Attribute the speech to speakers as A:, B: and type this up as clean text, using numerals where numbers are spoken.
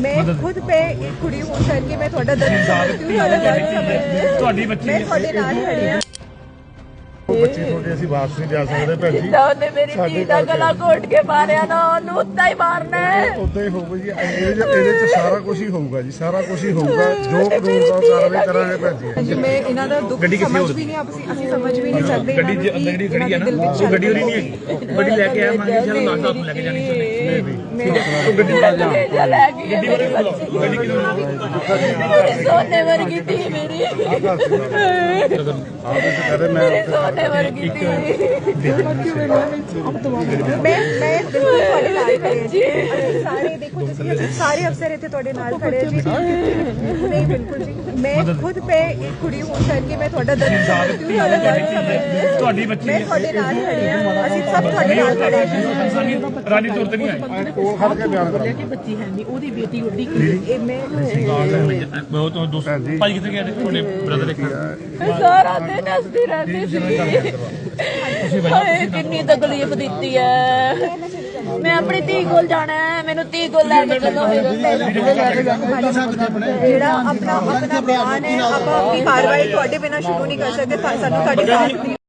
A: मैं खुद पे एक कुड़ी हूँ सर कि मैं थोड़ा दर्द समझती हूँ,
B: ਤੁਹਾਡੀ ਬੱਚੀ
A: मैं थोड़े नाल खड़ी हूँ।
C: ਬੱਚੇ ਤੁਹਾਡੇ ਅਸੀਂ ਵਾਪਸ ਨਹੀਂ ਜਾ ਸਕਦੇ ਭੈਣ ਜੀ।
D: ਉਹਨੇ ਮੇਰੀ ਧੀ ਦਾ ਗਲਾ ਘੋਟ ਕੇ ਮਾਰਿਆ ਨਾ, ਉਹਨੂੰ ਉੱਦਾਂ ਹੀ ਮਾਰਨਾ ਹੈ।
C: ਉਦਾਂ ਹੀ ਹੋਊਗਾ ਜੀ, ਇਹਦੇ ਚ ਸਾਰਾ ਕੁਝ ਹੀ ਹੋਊਗਾ ਜੀ, ਸਾਰਾ ਕੁਝ ਹੀ ਹੋਊਗਾ। ਜੋ ਕਾਨੂੰਨ ਦਾ ਕਾਰਵਾਈ ਕਰਾਂਗੇ ਭੈਣ ਜੀ।
A: जी मैं इन्हां दा दुख समझ भी नहीं ਅਸੀਂ ਸਮਝ ਵੀ ਨਹੀਂ ਸਕਦੇ।
B: ਗੱਡੀ ਜਿਹੜੀ ਖੜੀ ਹੈ ਨਾ, ਉਹ ਗੱਡੀ ਉਹਦੀ ਨਹੀਂ ਹੈਗੀ। ਗੱਡੀ ਲੈ ਕੇ ਆਇਆ ਮੰਗੀ ਚਲੋ ਨਾਸ਼ਤਾ ਲੈ ਕੇ ਜਾਣੀ ਸੀ।
D: ਉਹ ਗੱਡੀ ਲੈ ਗਈ ਗੱਡੀ ਕਿਉਂ ਸੋਨੇ ਵਰਗੀ ਧੀ ਮੇਰੀ, ਮੇਰੀ ਸੋਨੇ ਵਰਗੀ ਧੀ।
A: मैं बिल्कुल ਤੁਹਾਡੇ ਨਾਲ ਖੜੇ ਹਾਂ ਜੀ। ਅਸੀਂ ਸਾਰੇ ਦੇਖੋ ਤੁਸੀਂ ਸਾਰੇ ਅਫਸਰ ਇੱਥੇ ਤੁਹਾਡੇ ਨਾਲ ਖੜੇ ਹਾਂ ਜੀ। ਨਹੀਂ ਬਿਲਕੁਲ ਜੀ, मैं खुद पे एक कुड़ी हूँ सर कि मैं ਤੁਹਾਡਾ ਦਰਦ ਸਮਝਦੀ ਹੂੰ,
B: ਤੁਹਾਡੀ ਬੱਚੀ
A: मैं ਤੁਹਾਡੇ ਨਾਲ ਖੜੀ ਹਾਂ। ਅਸੀਂ ਸਭ ਤੁਹਾਡੇ ਨਾਲ ਖੜੇ ਹਾਂ।
B: ਰਾਨੀ ਤੌਰ ਤੇ ਨਹੀਂ ਆਈ।
C: ਕੋਲ ਖੜ ਕੇ ਬਿਆਨ ਕਰੋ।
E: ਕਿ ਬੱਚੀ ਹੈ ਨਹੀਂ, ਉਹਦੀ ਬੇਟੀ ਉੱਡੀ
A: ਇਹ ਮੈਂ
B: ਉਹ ਤੋਂ ਦੋਸਤ ਭਾਈ ਕਿੱਥੇ ਗਏ ਨੇ ਤੁਹਾਡੇ ਬ੍ਰਦਰ ਇੱਕ
D: ਸਾਰਾ ਦਿਨ ਹੱਸਦੀ ਰਹਿੰਦੀ ਸੀ। ਹਾਏ ਕਿੰਨੀ ਤਕਲੀਫ ਦਿੱਤੀ ਹੈ। ਮੈਂ ਆਪਣੀ ਧੀ ਕੋਲ ਜਾਣਾ ਹੈ, ਮੈਨੂੰ ਧੀ ਕੋਲ ਲੈ ਕੇ ਚੱਲੋ।
A: ਜਿਹੜਾ ਆਪਣਾ ਬਿਆਨ ਹੈ ਆਪਾਂ ਆਪਣੀ ਕਾਰਵਾਈ ਤੁਹਾਡੇ ਬਿਨਾਂ ਸ਼ੁਰੂ ਨਹੀਂ ਕਰ ਸਕਦੇ। ਸਾਨੂੰ ਤੁਹਾਡੀ ਸਾਥ ਦੀ